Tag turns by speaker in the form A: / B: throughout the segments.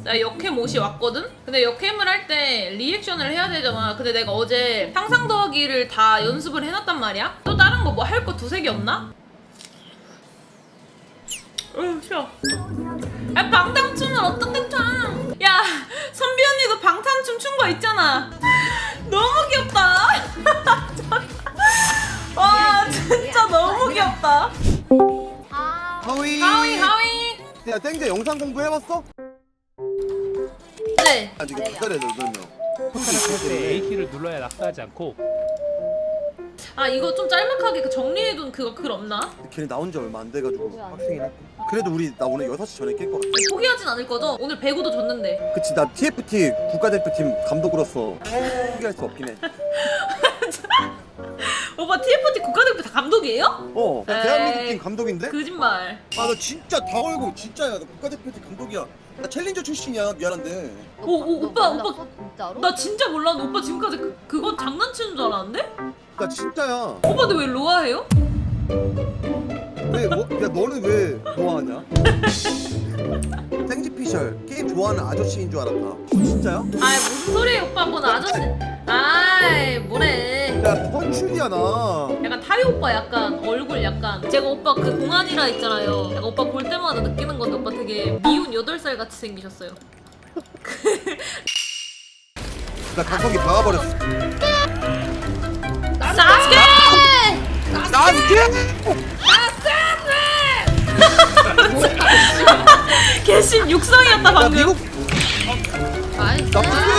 A: 나 역캠 옷이 왔거든? 근데 역캠을 할 때 리액션을 해야 되잖아. 근데 내가 어제 상상 더하기를 다 연습을 해놨단 말이야? 또 다른 거 뭐 할 거 두세 개 없나? 싫어. 야, 방탄춤은 어떻게 춰? 야, 선비 언니도 방탄춤 춘 거 있잖아. 너무 귀엽다. 와, 진짜 너무 귀엽다.
B: 하위.
A: 하위.
B: 야 땡제 영상 공부 해봤어?
A: 네.
B: 아직 기다려야 돼 그러면.
C: A키를 눌러야 낙사하지 않고.
A: 아, 이거 좀 짤막하게 그 정리해둔 그거 글 없나?
B: 걔네 나온 지 얼마 안 돼가지고 빡세긴 했고. 그래도 우리 나 오늘 6시 전에 깰 것 같아.
A: 포기하진 않을 거죠? 오늘 배구도 줬는데.
B: 그치 나 TFT 국가대표팀 감독으로서 포기할 수 없긴 해.
A: 오빠 TFT 국가대표 다 감독이에요?
B: 나
A: 에이.
B: 대한민국 팀 감독인데?
A: 거짓말.
B: 아 나 진짜 다 걸고 진짜야. 나 국가대표팀 감독이야. 나 챌린저 출신이야. 미안한데.
A: 오빠.
D: 진짜로?
A: 나 진짜 몰랐는데 오빠 지금까지 그거 장난치는 줄 알았는데?
B: 나 진짜야.
A: 오빠 근데 왜 로아해요?
B: 왜 뭐? 야 너는 왜 좋아하냐? 땡지피셜 게임 좋아하는 아저씨인 줄 알았다. 진짜야?
A: 아이 무슨 소리예요 오빠 뭔 아저씨. 아이 뭐래.
B: 야 헌출이야 나.
A: 약간 타이 오빠 약간 얼굴 약간 제가 오빠 그 동안이라 있잖아요. 약간 오빠 볼 때마다 느끼는 건데 오빠 되게 미운 8살 같이 생기셨어요.
B: 나 각성기 박아버렸어.
A: 사스케!
B: 나스케!
A: 개심 육성이었다
B: 야
A: 방금.
B: 미국
D: 아이스.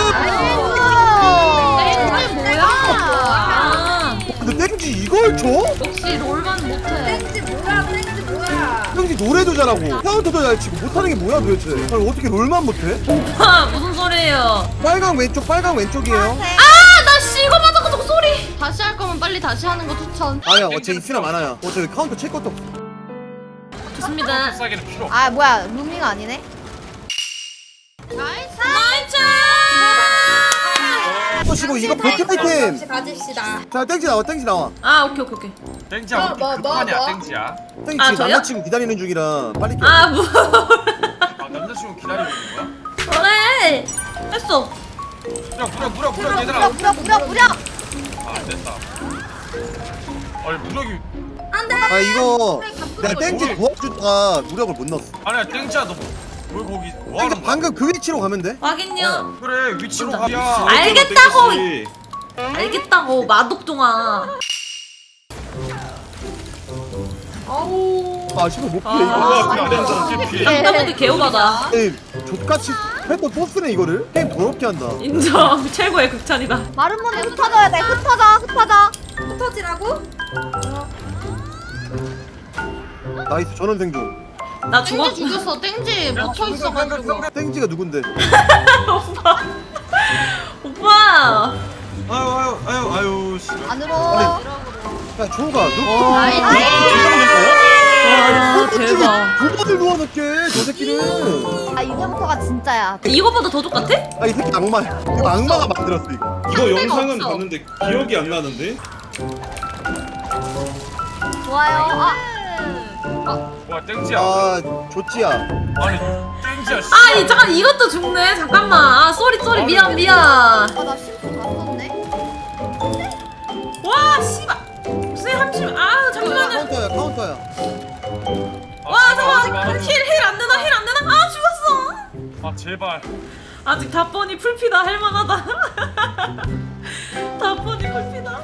B: 나스케!
D: 뭐야?
A: 아,
B: 근데 땡지 이걸 줘?
A: 역시 롤만 못해.
D: 땡지 뭐야?
B: 땡지 노래도 잘하고 카운터도 잘 치고 못하는 게 뭐야 도대체? 아니 어떻게 롤만 못해?
A: 오빠 무슨 소리예요?
B: 빨강 왼쪽이에요.
A: 아, 나 씨, 이거 맞아 그 소리.
D: 다시 할 거면 빨리 다시 하는 거 추천.
B: 아니야 어째 있으나 많아야. 어차피 카운터 칠 것도 없어.
A: 좋습니다.
E: 싸기는 필요 없어.
D: 아 뭐야 루밍 아니네? 나이스.
A: 나이스!
B: 시고 이거 버튼 아이템.
D: 가집시다.
B: 자 땡지 나와.
A: 아, 오케이.
E: 땡지야
D: 뭐,
E: 우리 급하냐
D: 뭐?
E: 땡지야.
B: 땡지
A: 아,
B: 지금
A: 저요?
B: 남자친구 기다리는 중이라 빨리 껴.
A: 아, 뭐.
E: 아 남자친구 기다리고 있는 거야?
A: 그래. 했어.
E: 무력 얘들아.
D: 무려.
E: 아 안됐다. 아니 무력이
B: 아 이거 내가 땡지 도와주다가 무력을 못 넣었어.
E: 아니야 땡지야 너 왜 거기
B: 땡지
E: 뭐하는 거야?
B: 방금 그 위치로 가면 돼.
A: 확인요.
E: 그래 위치로
A: 진짜.
E: 가야.
A: 알겠다고. 알겠다고 마독종아.
B: 아 씨발 못 피해
A: 아.
B: 이거.
E: 우와 그냥 피해.
A: 상담원들 개오바다.
B: 에이 족같이 했던 포스네 이거를. 게임 더럽게 한다.
A: 인정. 최고의 극찬이다.
D: 마른 문에 흩어져야 돼. 흩어져. 흩어지라고?
B: 나이스 전원생 중.
A: 나 죽었.
D: 땡지 죽였어. 땡지 묻혀 있어가지고.
B: 땡지가 누군데?
A: 오빠.
E: 아유 씨.
D: 안으로.
B: 야 조가 너
D: 나이스.
A: 와 대박.
B: 불법을 누워놓게 저 새끼는.
D: 아 이제부터가 진짜야.
A: 이거보다 더 족같아?
B: 아 이 새끼 악마야. 이거 악마가 만들었어 이거.
F: 이거 영상은
A: 없어.
F: 봤는데 기억이 안 나는데?
D: 좋아요.
E: 와 땡지야.
B: 아 조찌야.
E: 아니 땡지야. 씨.
A: 아, 잠깐 이것도 죽네. 잠깐만. 아, 쏘리 미안.
D: 나 심수 다 썼네.
A: 와, 씨발. 무슨 함심. 아, 잠깐만요.
B: 카운터야.
A: 와, 잠깐만. 힐 안 되나? 아, 죽었어.
E: 아 제발.
A: 아직 답번이 풀피다. 할만하다. 답번이 풀피다.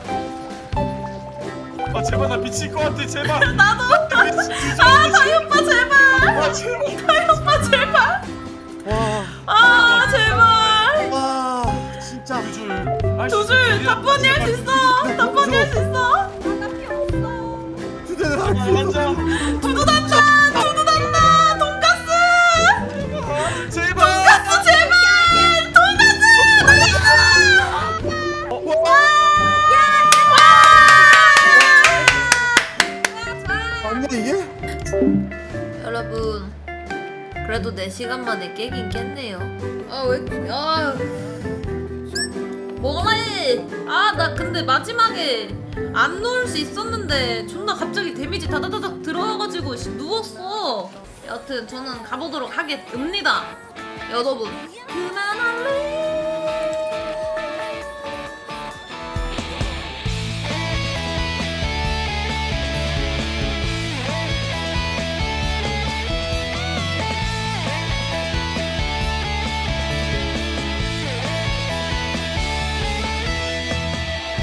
E: 아 제발 나 미칠 것 같아 제발.
A: 나도. 아, 다이 오빠 제발. 다이 오빠 제발. 아, 제발.
B: 와 진짜.
E: 두 줄.
A: 답번이 할 수 있어. 답번이 할 수 있어.
B: 주제는 할수 있어.
A: 두두단다. 돈가스.
E: 제발.
A: 돈가스 제발. 돈가스.
B: 아니야 이게?
A: 여러분, 그래도 4시간 만에 깨긴 깼네요. 뭐래? 아, 나 근데 마지막에 안 누울 수 있었는데 존나 갑자기 데미지 다다다닥 들어와가지고 누웠어. 여튼 저는 가보도록 하겠습니다. 여러분 그만할래